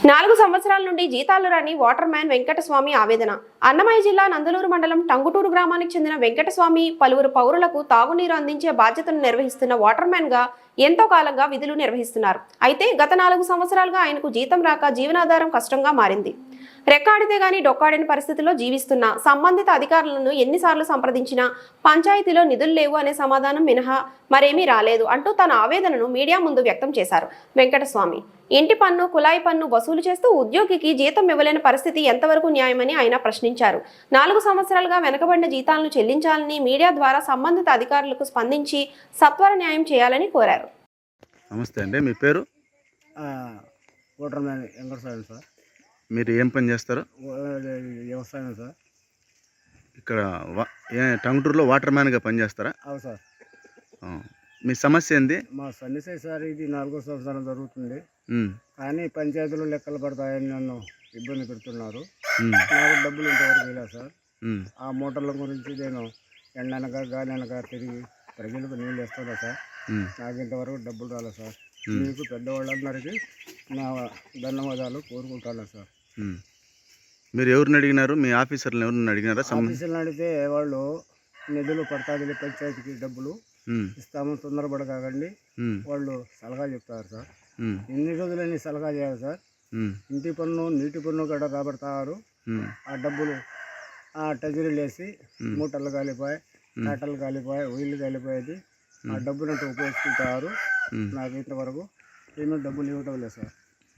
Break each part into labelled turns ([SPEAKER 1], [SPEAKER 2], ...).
[SPEAKER 1] 4 సంవత్సరాల నుండి జీతాలు రాని వాటర్ మ్యాన్ వెంకటస్వామి ఆవేదన. అన్నమయ్య జిల్లా నందలూరు మండలం టంగుటూరు గ్రామానికి చెందిన వెంకటస్వామి పలువురు పౌరులకు తాగునీరు అందించే బాధ్యతను నిర్వహిస్తున్న వాటర్ మ్యాన్ గా ఎంతో కాలంగా విధులు నిర్వహిస్తున్నారు. అయితే గత 4 సంవత్సరాలుగా ఆయనకు జీతం రాక జీవనాధారం కష్టంగా మారింది. రెక్కాడితే గాని డొక్కాడని పరిస్థితిలో జీవిస్తున్న సంబంధిత అధికారులను ఎన్నిసార్లు సంప్రదించినా పంచాయతీలో నిధులు లేవు అనే సమాధానం మినహా మరేమీ రాలేదు అంటూ తన ఆవేదనను మీడియా ముందు వ్యక్తం చేశారు వెంకటస్వామి. ఇంటి పన్ను, కుళాయి పన్ను వసూలు చేస్తూ ఉద్యోగికి జీతం ఇవ్వలేని పరిస్థితి ఎంతవరకు న్యాయమని ఆయన ప్రశ్నించారు. 4 సంవత్సరాలుగా వెనకబడిన జీతాలను చెల్లించాలని మీడియా ద్వారా సంబంధిత అధికారులకు స్పందించి సత్వర న్యాయం చేయాలని కోరారు.
[SPEAKER 2] నమస్తే అండి, మీ పేరు?
[SPEAKER 3] Water man Venkataswamy sir.
[SPEAKER 2] మీరు ఏం పని చేస్తారు?
[SPEAKER 3] వ్యవసాయం సార్.
[SPEAKER 2] ఇక్కడ టంగుటూరులో వాటర్ మ్యాన్గా పనిచేస్తారా?
[SPEAKER 3] అవును సార్.
[SPEAKER 2] మీ సమస్య ఏంది?
[SPEAKER 3] మా సమస్య సార్, ఇది 4వ సంవత్సరం జరుగుతుంది. కానీ పంచాయతీలో లెక్కలు పడతాయని నన్ను ఇబ్బంది పెడుతున్నారు. నాకు డబ్బులు ఇంతవరకు ఇలా సార్. ఆ మోటార్ల గురించి నేను ఎండనక గాలినక తిరిగి ప్రజలకు నీళ్ళు వేస్తున్నా సార్. నాకు ఇంతవరకు డబ్బులు రాలేదు సార్. మీకు పెద్దవాళ్ళందరికీ నా ధన్యవాదాలు కోరుకుంటాను సార్.
[SPEAKER 2] మీరు ఎవరిని అడిగినారు? మీ ఆఫీసర్లు ఎవరిని అడిగినారా?
[SPEAKER 3] ఆఫీసర్ని అడిగితే వాళ్ళు నిధులు పడతాది, పంచాయతీకి డబ్బులు ఇస్తాము, తొందరపడకండి వాళ్ళు సలహా చెప్తారు సార్. ఎన్ని రోజులని సలహా చేయాలి సార్. ఇంటి పన్ను, నీటి పన్ను కూడా రాబడతారు. ఆ డబ్బులు ఆ ట్రెజరీలు వేసి మూటలు కాలిపోయి, కాటలు కాలిపోయి, ఒయిలు కాలిపోయేది. ఆ డబ్బులంతా ఉపయోగించుకుంటారు. నాకు ఇంతవరకు ఏమీ డబ్బులు ఇవ్వటం లేదు సార్.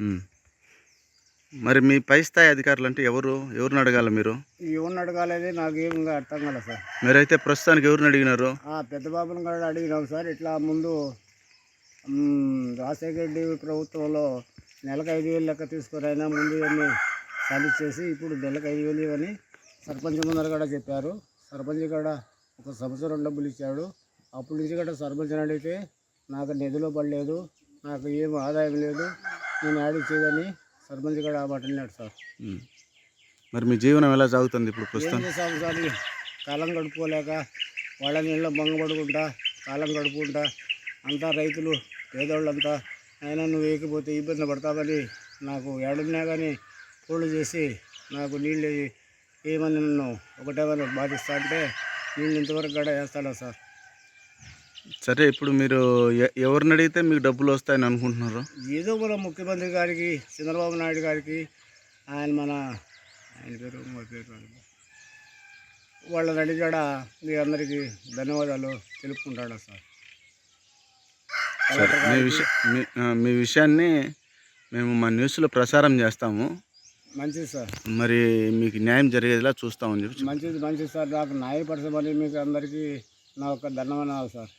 [SPEAKER 2] మరి మీ పై స్థాయి అధికారులు అంటే ఎవరిని అడగాలి? మీరు
[SPEAKER 3] ఎవరిని అడగాలేదు నాకు ఏమి అర్థం కాలేదు సార్.
[SPEAKER 2] మీరైతే ప్రస్తుతానికి ఎవరిని అడిగినారు?
[SPEAKER 3] పెద్ద బాబుని కూడా అడిగినాం సార్. ఇట్లా ముందు రాజశేఖర రెడ్డి ప్రభుత్వంలో నెలకు 5,000 లెక్క తీసుకొని అయినా ముందు ఇవన్నీ సాధించేసి ఇప్పుడు నెలకు 5,000 ఇవని సర్పంచ్ ముందర కూడా చెప్పారు. సర్పంచ్ కూడా 1 సంవత్సరం డబ్బులు ఇచ్చాడు. అప్పటి నుంచి కూడా సర్పంచ్ని అడిగితే నాకు నిధులు పడలేదు, నాకు ఏం ఆదాయం లేదు, నేను ఆడిచ్చేదని సర్పంచ్ కూడా మాట్లాడినాడు సార్.
[SPEAKER 2] మరి మీ జీవనం ఎలా సాగుతుంది ఇప్పుడు ప్రస్తుతం?
[SPEAKER 3] ఏం చేస్తాము సార్, కాలం గడుపుకోలేక వాళ్ళ నీళ్ళు భంగపడుకుంటా కాలం గడుపుకుంటా అంతా రైతులు పేదోళ్ళంతా అయినా నువ్వు వేయకపోతే ఇబ్బంది పడతామని నాకు ఏడున్నా కానీ పూలు చేసి నాకు నీళ్ళు ఏమని నన్ను ఒకటేమని బాధిస్తా అంటే నీళ్ళు ఇంతవరకు కూడా వేస్తాడా సార్.
[SPEAKER 2] సరే, ఇప్పుడు మీరు ఎవరిని అడిగితే మీకు డబ్బులు వస్తాయని అనుకుంటున్నారు?
[SPEAKER 3] ఏదో మన ముఖ్యమంత్రి గారికి, చంద్రబాబు నాయుడు గారికి, ఆయన పేరు వాళ్ళని అడిగాడ మీ అందరికీ ధన్యవాదాలు తెలుపుకుంటాడా సార్.
[SPEAKER 2] మీ విషయాన్ని మేము మా న్యూస్లో ప్రసారం చేస్తాము.
[SPEAKER 3] మంచిది సార్.
[SPEAKER 2] మరి మీకు న్యాయం జరిగేలా చూస్తామని చెప్పి.
[SPEAKER 3] మంచిది సార్. నాకు న్యాయపరచమని మీకు అందరికీ నా యొక్క ధన్యవాదాలు సార్.